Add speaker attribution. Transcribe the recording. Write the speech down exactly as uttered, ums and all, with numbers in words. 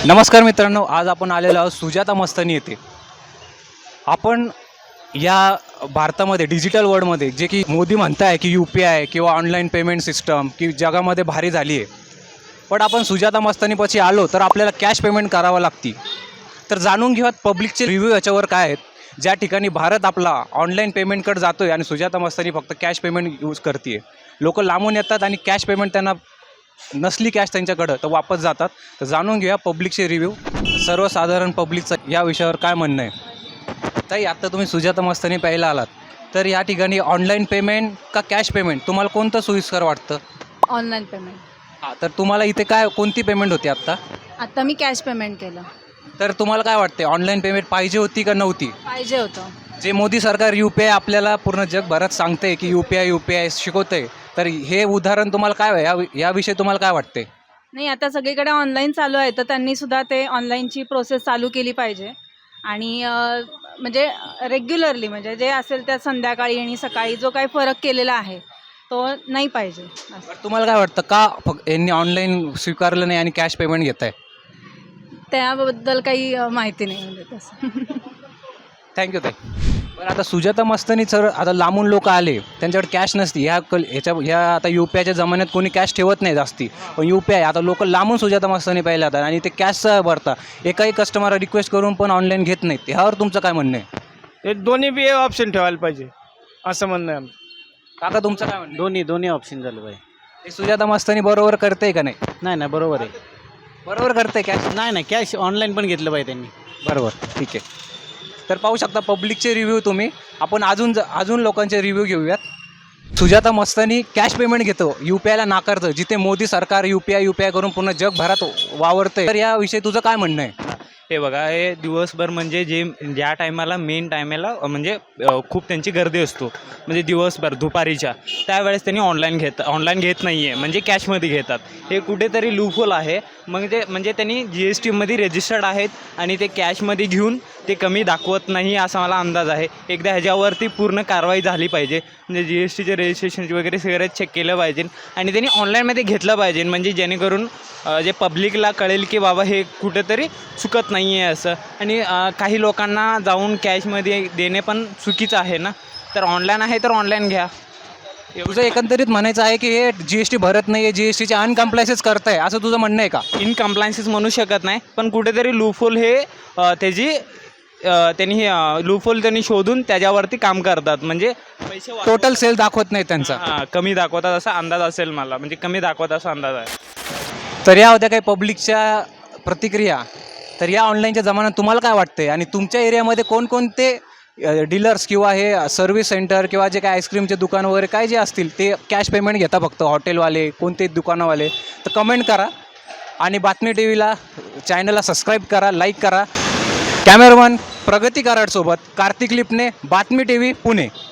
Speaker 1: नमस्कार मित्रांनो, आज आपण आलेलो आहोत सुजाता मस्तानी येथे. आपण या भारतामध्ये डिजिटल वर्ल्डमध्ये जे की मोदी म्हणताय की यू पी आय किंवा ऑनलाईन पेमेंट सिस्टम की जगामध्ये भारी झाली आहे, पण आपण सुजाता मस्तानीपाशी आलो तर आपल्याला कॅश पेमेंट करावं लागते. तर जाणून घेऊयात पब्लिकचे रिव्ह्यू याच्यावर काय आहेत. ज्या ठिकाणी भारत आपला ऑनलाईन पेमेंटकडे जातो आहे आणि सुजाता मस्तानी फक्त कॅश पेमेंट यूज करते. लोक लांबून येतात आणि कॅश पेमेंट त्यांना नसली कॅश त्यांच्याकडं तर वापस जातात. तर जाणून घेऊया पब्लिकचे रिव्ह्यू, सर्वसाधारण पब्लिकचं या विषयावर काय म्हणणं आहे. ताई, आत्ता तुम्ही सुजाता मस्तानी प्यायला आलात, तर या ठिकाणी ऑनलाईन पेमेंट का कॅश पेमेंट तुम्हाला कोणतं सोयीस्कर वाटतं?
Speaker 2: Online payment.
Speaker 1: हां, तर तुम्हाला इथे काय कोणती पेमेंट होती आत्ता?
Speaker 2: आत्ता मी कॅश पेमेंट केलं.
Speaker 1: तर तुम्हाला काय वाटते, ऑनलाईन पेमेंट पाहिजे होती का नव्हती?
Speaker 2: पाहिजे होतं.
Speaker 1: जे मोदी सरकार यू पी आय आपल्याला पूर्ण जगभरात सांगते की U P I U P I शिकवते, तर हे उदाहरण तुम्हाला काय या याविषयी तुम्हाला काय वाटते?
Speaker 2: नाही, आता सगळीकडे ऑनलाईन चालू आहे, तर त्यांनी सुद्धा ते ऑनलाईनची प्रोसेस चालू केली पाहिजे. आणि अं, म्हणजे रेग्युलरली म्हणजे जे असेल त्या संध्याकाळी आणि सकाळी जो काही फरक केलेला आहे तो नाही पाहिजे असं.
Speaker 1: तर तुम्हाला काय वाटतं, का फक्त यांनी ऑनलाईन स्वीकारलं नाही आणि कॅश पेमेंट घेत आहे?
Speaker 2: त्याबद्दल काही अं, माहिती नाही म्हणजे तसं.
Speaker 1: थँक्यू ताई. पण आता सुजाता मस्तानी सर, आता लांबून लोक आले, त्यांच्याकडे कॅश नसती. ह्या कल ह्याच्या ह्या आता यू पी आयच्या जमान्यात कोणी कॅश ठेवत नाही जास्ती, पण यू पी आय आता लोक लांबून सुजाता मस्तानी पाहिलं जातात आणि ते कॅशचं भरता. एकाही कस्टमर रिक्वेस्ट करून पण ऑनलाईन घेत नाहीत. ह्यावर तुमचं काय म्हणणं आहे?
Speaker 3: हे दोन्ही बी ऑप्शन ठेवायला पाहिजे असं म्हणणं आहे आमचं.
Speaker 1: काका, तुमचं काय म्हणणं आहे?
Speaker 4: दोन्ही दोन्ही ऑप्शन झालं पाहिजे.
Speaker 1: हे सुजाता मस्तानी बरोबर करते का नाही?
Speaker 4: नाही नाही बरोबर आहे.
Speaker 1: बरोबर करते कॅश.
Speaker 4: नाही नाही कॅश ऑनलाईन पण घेतलं पाहिजे त्यांनी.
Speaker 1: बरोबर, ठीक आहे. तर पाहू शकता पब्लिकचे रिव्ह्यू तुम्ही. आपण अजून ज अजून लोकांचे रिव्ह्यू घेऊयात. सुजाता मस्तानी कॅश पेमेंट घेतो, यू पी आयला नाकारतं, जिथे मोदी सरकार U P I U P I करून पूर्ण जगभरात वावरते. तर याविषयी तुझं काय म्हणणं आहे?
Speaker 5: हे बघा, हे दिवसभर म्हणजे जे ज्या टायमाला मेन टायमाला म्हणजे अ, खूप त्यांची गर्दी असतो, म्हणजे दिवसभर दुपारीच्या त्यावेळेस त्यांनी ऑनलाईन घेत ऑनलाईन घेत नाही आहे, म्हणजे कॅशमध्ये घेतात. हे कुठेतरी लूफहोल आहे. मग ते म्हणजे त्यांनी जी एस टीमध्ये रजिस्टर्ड आहेत आणि ते कॅशमध्ये घेऊन ते कमी दाखवत नाही असा मला अंदाज आहे. एकदा ह्याच्यावरती पूर्ण कारवाई झाली पाहिजे, म्हणजे जी एस टीचे रजिस्ट्रेशन वगैरे सगळं चेक केलं पाहिजे आणि त्यांनी ऑनलाईनमध्ये घेतलं पाहिजे, म्हणजे जेणेकरून अ, जे पब्लिकला कळेल की बाबा हे कुठेतरी चुकत नाही आहे असं. आणि अ, काही लोकांना जाऊन कॅशमध्ये देणे पण चुकीचं आहे ना. तर ऑनलाईन आहे तर ऑनलाईन घ्या.
Speaker 1: तुझं एकंदरीत म्हणायचं आहे की हे जी एस टी भरत नाही आहे, जी एस टीचे अनकम्प्लायन्सेस करताय, असं तुझं म्हणणं आहे का?
Speaker 5: इनकम्प्लायन्सेस म्हणू शकत नाही, पण कुठेतरी लूफहोल हे अ, त्याची अ, त्यांनी हे लूफहोल त्यांनी शोधून त्याच्यावरती काम करतात, म्हणजे पैसे वाचवतात.
Speaker 1: टोटल सेल दाखवत नाही त्यांचा.
Speaker 5: हां, कमी दाखवतात असा अंदाज असेल मला, म्हणजे कमी दाखवतात असा अंदाज आहे.
Speaker 1: तर या होत्या काही पब्लिकच्या प्रतिक्रिया. तर या ऑनलाईनच्या जमान्यात तुम्हाला काय वाटते आणि तुमच्या एरियामध्ये कोणकोणते डीलर्स किंवा हे सर्व्हिस सेंटर किंवा जे काय आईस्क्रीमचे दुकान वगैरे काय जे असतील ते कॅश पेमेंट घेता फक्त, हॉटेलवाले कोणते दुकानवाले? तर कमेंट करा आणि बातमी टी व्हीला चॅनलला सबस्क्राईब करा, लाईक करा. कॅमेरामन प्रगती कराडसोबत कार्तिक लिपणे, बातमी टी व्ही, पुणे.